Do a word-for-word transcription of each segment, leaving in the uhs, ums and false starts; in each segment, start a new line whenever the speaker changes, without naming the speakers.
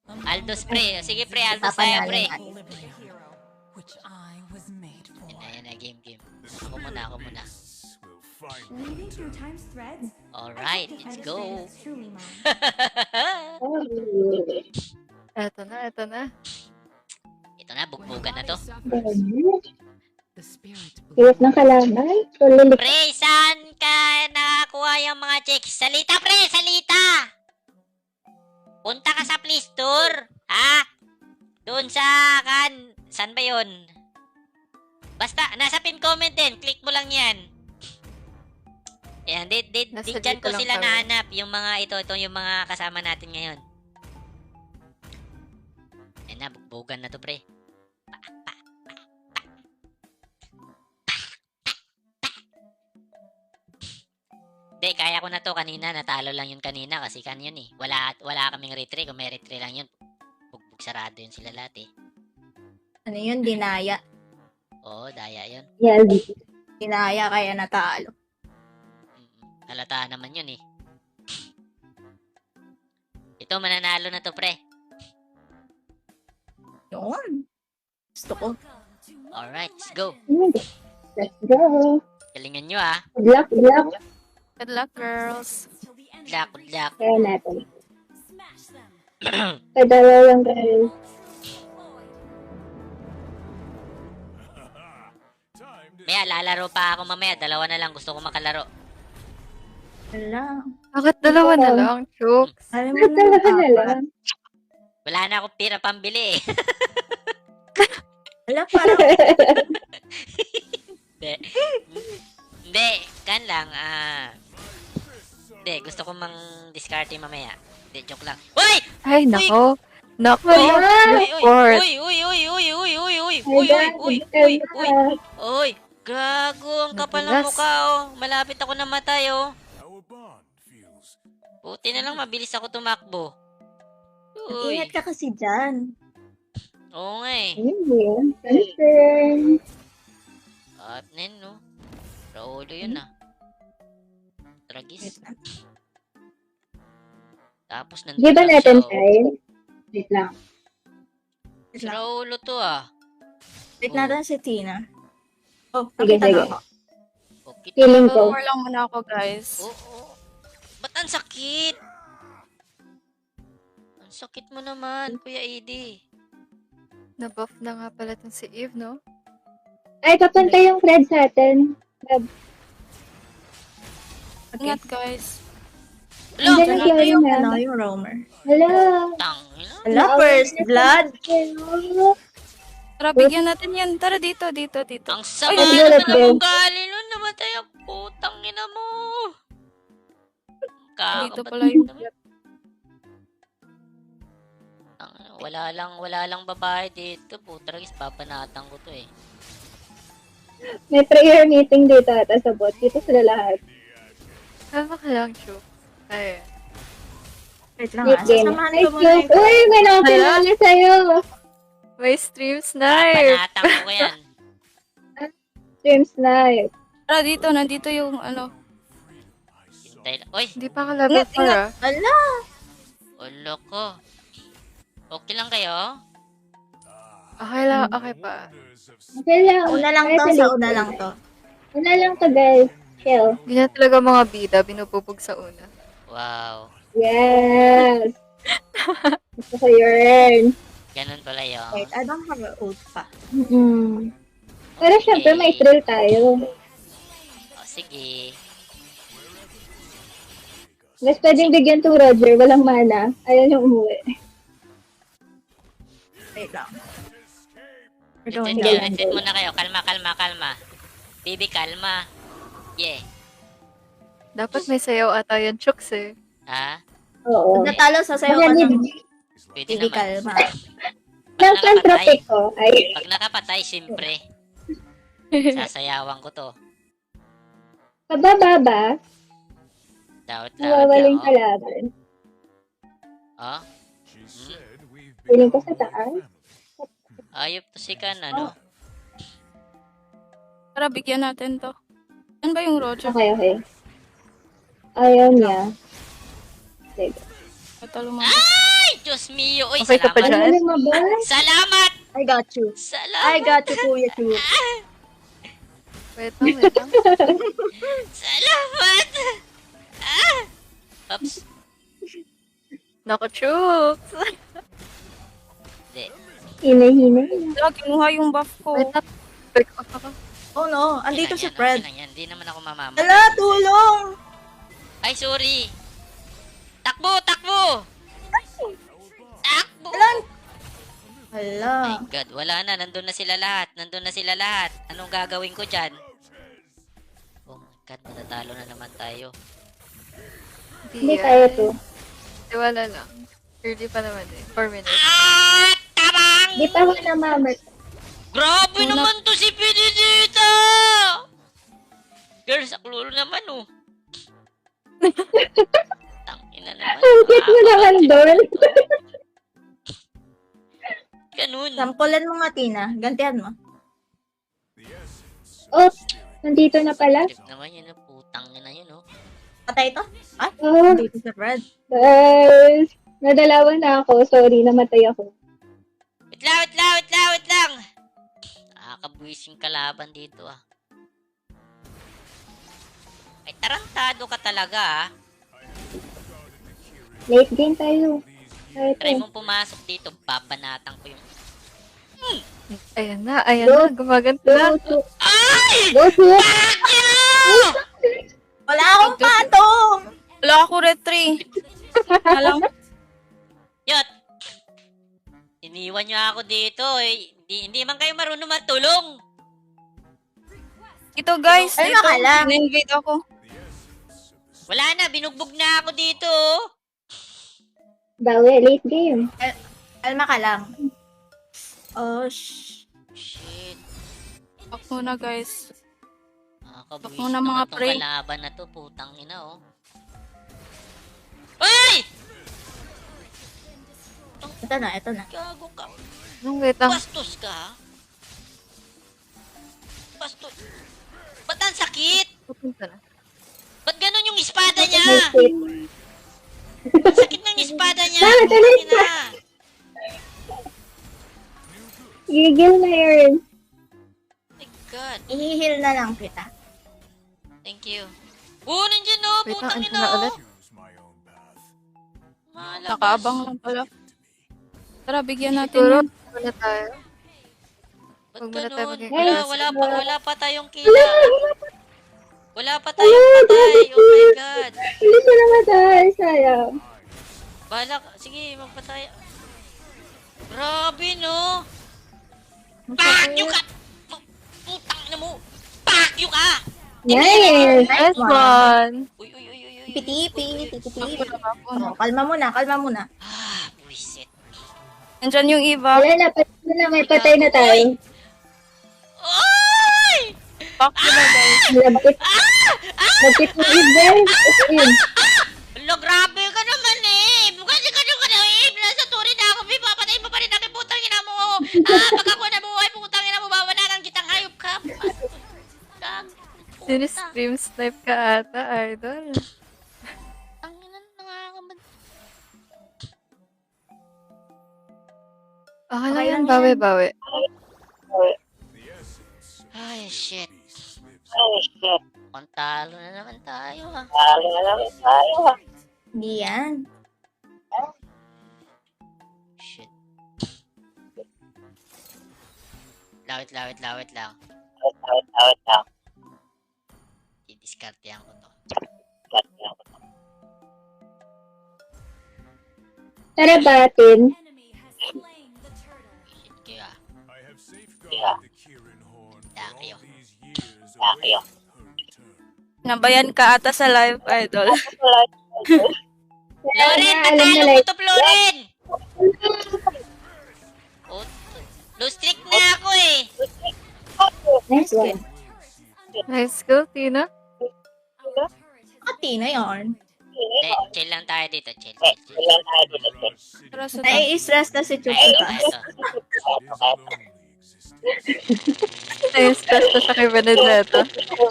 Aldos, pre. Sige, pre. Aldos tayo,
Papanalo
pre.
na.
Yan na, yan na. Game, game. Ako muna, ako muna. Alright, let's go.
Eto na, eto na.
Ito na, bugbugan na to.
Hirap ng kalaban. Tulilik.
Pre, saan ka nakakuha yung mga checks? Salita, pre! Salita! Punta ka sa Play Store. Ha? Doon sa kan... Saan ba yun? Basta, nasa pin comment din. Click mo lang yan. Yan, di, di,
Nasa
di dyan
dito
ko
lang
sila
kami.
nahanap. Yung mga ito, ito yung mga kasama natin ngayon. Yan na, bugbugan na to, pre. Hindi, kaya ko na to kanina. Natalo lang yun kanina kasi kan yun eh. Wala, wala kaming retry. Kung may retry lang yun, bugbog sarado yun sila lahat eh.
Ano yun? Dinaya.
Oo, daya yun.
Yan.
Dinaya kaya natalo.
Mm-mm. Halata naman yun eh. Ito, mananalo na to, pre.
Yun. Gusto ko.
Alright, let's go.
Let's go.
Galingan nyo ah.
Good luck, good luck.
Good luck, girls.
Good luck, good luck.
Kaya natin. Kadalaw lang guys.
Maya, lalaro pa ako mamaya. Dalawa na lang. Gusto ko makalaro.
Wala.
Bakit dalawa na lang, Chooks?
Alam mo na
Dalawa na
apat.
lang.
Wala na akong pira pambili eh.
Wala, parang
Hindi. Hindi. Kan lang. Ah... Hindi. Gusto ko mang discarte mamaya. Hindi. Joke lang. Uy!
Ay, nako. Nako.
Uy! Uy!
Report.
Uy! Uy! Uy! Uy! Uy! Uy! Uy!
Ay,
Uy!
guys,
Uy! Uy!
tell
Uy!
me
Uy!
na.
Uy! Gago! Ang kapal ng
Nadulas.
mukha oh. Malapit ako namatay oh. Buti na lang mabilis ako tumakbo. Uy!
ingat ka kasi dyan.
Oo nga eh.
Ayun yun. Confirm.
At nen no. Raulo yun ah. Tragis. Tapos nandun
Di ba
lang
natin
siya, oh.
time? Wait lang.
Si Raulo to ah.
Wait
Oh.
natin si Tina. Oh,
Sige,
pakita
sige.
na ako.
Okay.
Feeling ko.
Four lang muna ako, guys.
Oo. Oh, Ba't ang sakit? Ang sakit mo naman, Kuya Edie.
Na-buff na nga pala tong si Eve, no?
Ay, papunta yung Fred sa atin. Fred.
Ingat, guys.
Hello!
Andyan na
Ito
siya
yung,
na.
ano, yung roamer.
Hello.
Tangina.
Hala, first blood.
Hello.
Tara, bigyan natin yan. Tara, dito, dito, dito.
Ang sama
Ay,
naman
let's
ng
go.
ugali nun. Namatay ang putang ina mo.
Dito
Kakabat
pala yung...
naman. Tangina, Wala lang, wala lang babae dito. Putragis, papanatang ko to eh.
May prayer meeting dito ata sa bot. Dito sila lahat.
Tama ka lang, Chooks. Ay.
Wait lang
Deep
ah.
game.
Sasamahan
Ay,
ko muna
close.
yung...
Uy, may nakakilala sa'yo.
May stream snipe.
Papanatang ko yan.
Stream snipe.
Tara, dito. Nandito yung, ano.
Hintay lang. Uy,
Hindi pa ka level
Ingat,
four,
ingat.
ah.
Ala!
ulo ko. Okay lang kayo?
Okay lang, okay pa.
Okay lang.
Una lang to, sa una lang to.
Una lang to, guys. Chill.
Ganyan talaga mga bida, binububog sa una.
Wow.
Yes. Gusto ko yun.
Ganun pala yun.
Wait, I don't have an ult pa.
Mm-mm. Pero syempre, may thrill tayo.
O, sige.
Mas pwedeng bigyan to Roger. Walang mana. Ayaw niyang umuwi.
Wait lang. We're
Retreat
going
kayo,
down.
retreat muna kayo. Kalma, kalma, kalma. Baby, kalma. Yeah.
Dapat may sayaw ata yan, Chooks, eh.
Ha?
Oo.
Pag natalo, sasayaw
Mga
ka ng
need
Pwede
Hindi
naman.
kalma.
ng pantropic ko. Ay.
Pag nakapatay, siyempre. Sasayawan ko to.
Pababa ba?
Dawat lawat lang,
Nawawaling
oh.
kalaban.
Oh?
Feeling ko sa taas.
Ayop to si Kan, ano?
Tara, bigyan natin to. Yan ba yung Roger?
Okay, okay. Ayaw niya. Sige.
Ito lumabas.
Ay! Diyos mio. Uy,
Okay ka pa
salamat.
dyan?
Ano lumabas?
Salamat!
I got you.
Salamat!
I got you, Kuya Chu.
Wait lang, wait lang.
Salamat! Ah! Oops.
Naku, chooks!
Hindi.
Hina-hina.
Wala, kinuha yung buff ko.
Wait lang. Back off ako.
Oh no, andito
Okay
si
lang yan,
Fred.
Okay lang yan. Hindi naman ako mamama.
Ala, tulong!
Ay, sorry. Takbo, takbo! Takbo!
Ala! Ala.
My God, wala na. Nandun na sila lahat. Nandun na sila lahat. Anong gagawin ko dyan? Oh my God, matatalo na naman tayo.
Hindi kaya to.
Hindi, wala lang. Early pa naman eh. Four minutes.
Ah! Tabang!
Di pa ako namamat.
Grabe naman to si Pinidita! Girls, aklolo naman oh. Tangina naman.
Ang cute mo naman doon.
Ganun.
Sampulan mo nga, Tina. Gantihan mo.
Oh, nandito na pala.
Trip naman yun, oh. Putang na yun, oh.
Patay ito? Ay,
Oh,
andito si Fred.
guys. Nadalawan na ako. Sorry, namatay ako.
Wait lang, wait lang, wait lang, wait lang. Nakakabwising kalaban dito, ah. Ay, tarantado ka talaga, ah.
Late game tayo. Tayo
Try
to.
mong pumasok dito, babanatan ko yung...
Ayan na, ayan na. Gumaganto na.
Go, to.
Ay!
Go, to.
Wala akong patong!
Wala ako retry. Alam,
Yot! Iniwan niyo ako dito, eh. Hindi, hindi man kayo marunong matulong.
ito guys,
Ay,
ito.
nakalam.
Na-invade ako.
Wala na, binugbog na ako dito, oh.
Bawi, late game.
Alma ka lang. Oh, shh.
Shit.
Back muna guys.
Nakakabwis
Ako na, mga
naman tong
pre.
kalaban na to, putang ina, oh. Ay!
Ito na, ito na.
Gago ka.
Nung wait lang.
Bastos ka, ha? Bastos. Ba't ang sakit?
Pupunta na.
Ba't ganun yung espada niya?
Nice hit.
Ang sakit ng espada niya.
Bakit? Ano
Putang
yun?
ina.
Gigil na yun.
My God.
Ihihil na lang kita.
Thank you. Oh, nandiyan, oh.
Wait lang,
Putang
andun
ina,
na
oh.
ulit.
Malabas.
Nakaabang lang pala. Tara, bigyan natin
Siguro,
yan.
wala tayo.
Ba't
Huwag muna tayo
ganun?
maging
Wala,
class.
wala pa, wala pa tayong kila. Wala pa tayong patay. Oh my God.
Hindi siya namatay. Sayang.
Bahala ka. Sige, magpatay. Grabe, no? Pakyo ka! Putang na mo! Pakyo ka!
Nice.
Nice
one.
one.
Uy, uy, uy, uy, uy.
Tipi-tipi, tipi-tipi.
Ako
Oh,
na.
kalma muna, kalma muna.
Ah, buisit.
Nandyan yung Eva.
Wala na, patay na, may patay na tayo.
Oy!
Back to na guys.
Labit. Labit mo even. Yun.
Alo, grabe ka naman eh! Kasi ka naman eh! Nasa turi na ako, may papatay mo pa rin namin, putang ina mo! Ah, pag ako nabuhay, putang ina mo, bawanan kitang hayop ka! Gag.
Sinistream snipe ka ata, idol.
Ang ina, nangangamad.
Okay lang
Okay
yan,
lang
bawi,
yan.
bawi.
Ay, shit. Pantalo na naman tayo, ha?
Hindi yan.
Shit. Lawit, lawit, lawit lang. I-discartehan ko to.
Tara batin.
Shit kayo, ah. Takyo.
Nabayan ka ata sa live, idol.
Wala
Florin,
na, alam na
natalo mo
like.
to, Florin! Oh, low streak na ako, eh.
Nice one.
Nice go, Tina.
Ah, Tina yarn.
Hindi, chill lang tayo dito, chill, chill, chill.
Tara sa
Nai-stress na si
Ay,
Chuchuta.
ito.
Nice test na siya kay Benedetta.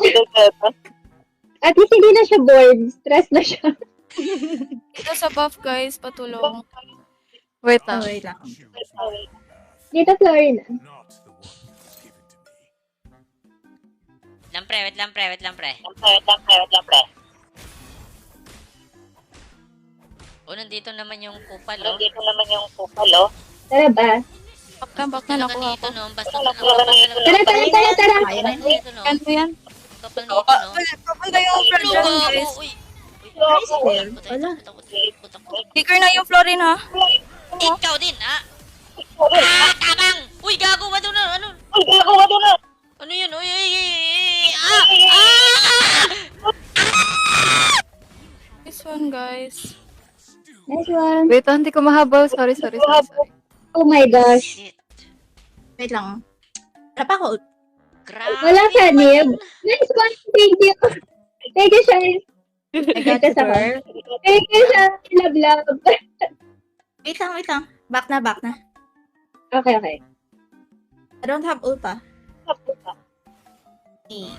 At least hindi na siya bored. Stress na siya.
Ito sa buff guys, patulong.
Wait
Oh,
lang.
wait lang.
Dito, Florina.
Lang pre, wait lang pre, wait lang pre. O, nandito naman yung kupal, oh.
Tara ba?
Back na, back na,
Talaga
nakuha
dito,
ko.
no? Basta ang kapal talaga.
Tara, tara, tara, tara.
Kaya na yun.
Dito, no?
Ano yan?
Kapal dito, no?
Papunta yung floor dyan, guys.
Uy,
Tricycle.
putay,
Wala.
putay, putay, putay, putay.
Speaker na yung Florin, ha?
Ikaw din, ah! Ah, tabang! Uy, gago, ano na, ano? Ano yun? Uy, uy, uy, uy, ah! Ah!
This one, guys.
Nice one.
Wait lang, hindi ko mahabaw. Sorry, sorry, sorry, sorry.
Oh my gosh.
Shit.
Wait lang. Wala pa ako.
Grabe.
Wala ka, Nib. Nice one. Thank you. Thank you, Shine.
I got you, girl.
Thank you, Shine. Love, love.
Wait lang, wait lang. Back na, back na.
Okay, okay.
I don't have ult pa. Eh.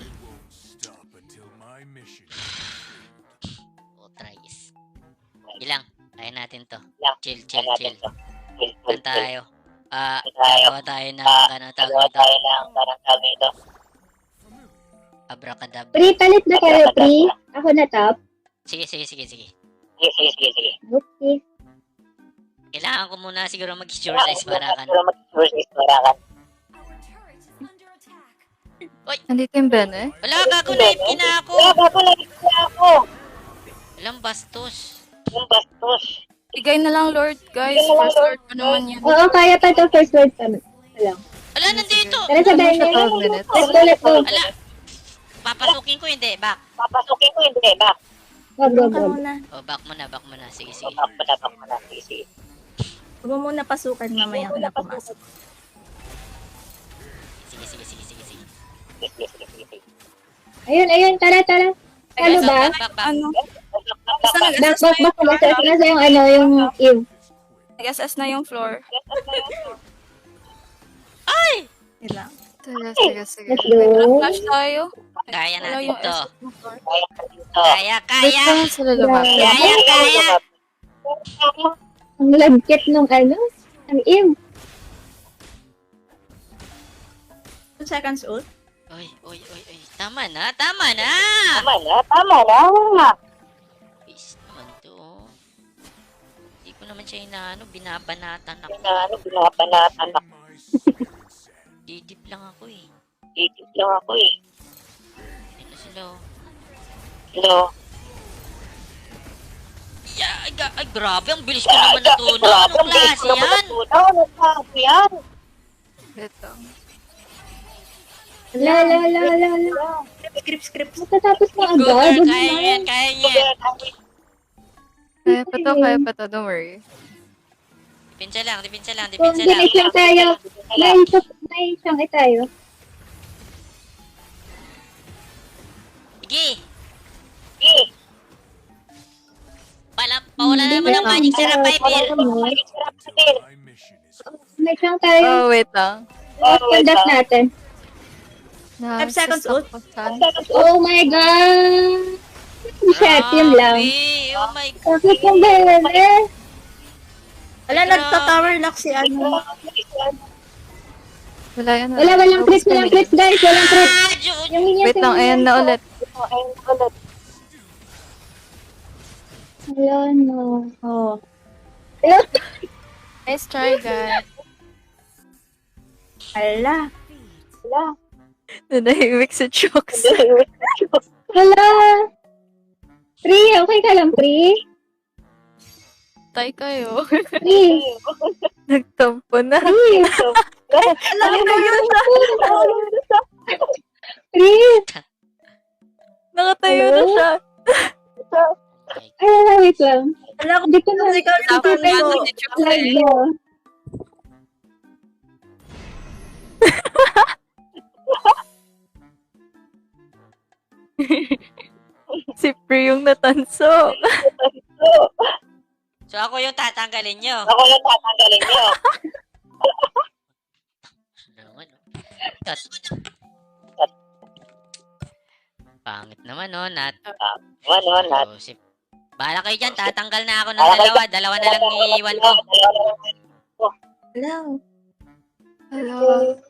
Oh, tries. Ilang? Kaya natin to. Chill, chill, chill. Saan tayo? Ah, gagawa tayo ng ano tawag dito. Abracadabra.
Pre, palit na kayo, Pre. Ako na top.
Sige, sige, sige, sige.
Okay.
Kailangan ko muna siguro mag-sure sa isparakan.
Nandito yung Ben eh.
Wala, gago na ipin na ako. Walang bastos.
Bigay na lang, Lord, guys. First Lord pa naman yan.
Oo, kaya pa to first word pa. Alam.
Wala, nandito.
Tara sa bahay.
twelve minutes.
Let's go, let's go.
Wala. Papasukin ko hindi, back.
Go, go,
Huwag ka
go.
muna.
Oh, back mo na, back mo na. Sige, sige.
Huwag mo muna pasukan mamaya ka na pumasok.
Sige, sige, sige, sige, sige.
Ayun, ayun. Tara, tara. Ano ba?
Back, back, back.
Ano? Basta
Back,
nag-assess
back,
na
back.
yung floor.
Nasa nasa yung ano, yung Eve.
Nag-assess na yung floor.
Wait lang.
Sige, sige, sige.
Let's go.
Flash tayo.
Kaya
Wala
natin
yung
to.
assess ng floor.
Kaya,
Wait
kaya.
lang sila lumapit.
Kaya, kaya.
Ang lagkit nung ano, ang Eve.
two seconds ult.
Oy, oy, oy, oy. Tama na, tama na. Please naman to. Hindi ko naman siya inaano, binabanatan ako. Didip lang ako eh. Ano sila oh. Yeah, ay, ga- ay, grabe, ang bilis ko naman natuno. Anong klase yan?
Wait lang.
La, la, la, la, la.
Script, script.
Matatapos na
Go
agad.
girl, kaya niya yan, kaya niya yan.
Kaya pa to, kaya pa to. Don't worry.
Dipinsa lang, dipinsa lang,
Kung
dipinsa lang.
ginis lang tayo, may isang, may isang tayo.
Sige. Pala, pawala naman ng magic sarap, Piper.
May isang tayo.
Oh, wait lang.
Let's conduct natin.
Na,
Five seconds
stop
ult.
ko saan.
Oh my God! Shit, yun lang.
Grabe, oh my God.
Bakit yung bebe?
Wala, nagta-tower lock si ano.
Wala yan.
Wala, walang crit, walang crit guys, walang crit.
Ah, Jun.
Yung minions,
Wait lang,
yung
ayan na
minions.
ulit.
Wala na.
Oh.
Nice try, guys.
Ala.
Nanahimik si Chooks.
Wala. Pri, okay ka lang, Pri?
Tay kayo.
Pri.
Nagtampo na.
Pri.
Alam ko yun.
Pri.
Nakatayo na siya.
Ay, wala, wait lang.
Alam ko,
Hindi ko na
ikaw yung
Tapos
sabi ko.
si Chooks eh.
live mo.
Si Pri yung natanso.
So ako yung tatanggalin nyo. Naman, oh. Cut. Pangit naman, no? Nat. So, si Bahala kayo dyan, tatanggal na ako ng dalawa. Dalawa na lang iiwan ko.
Hello.
Hello.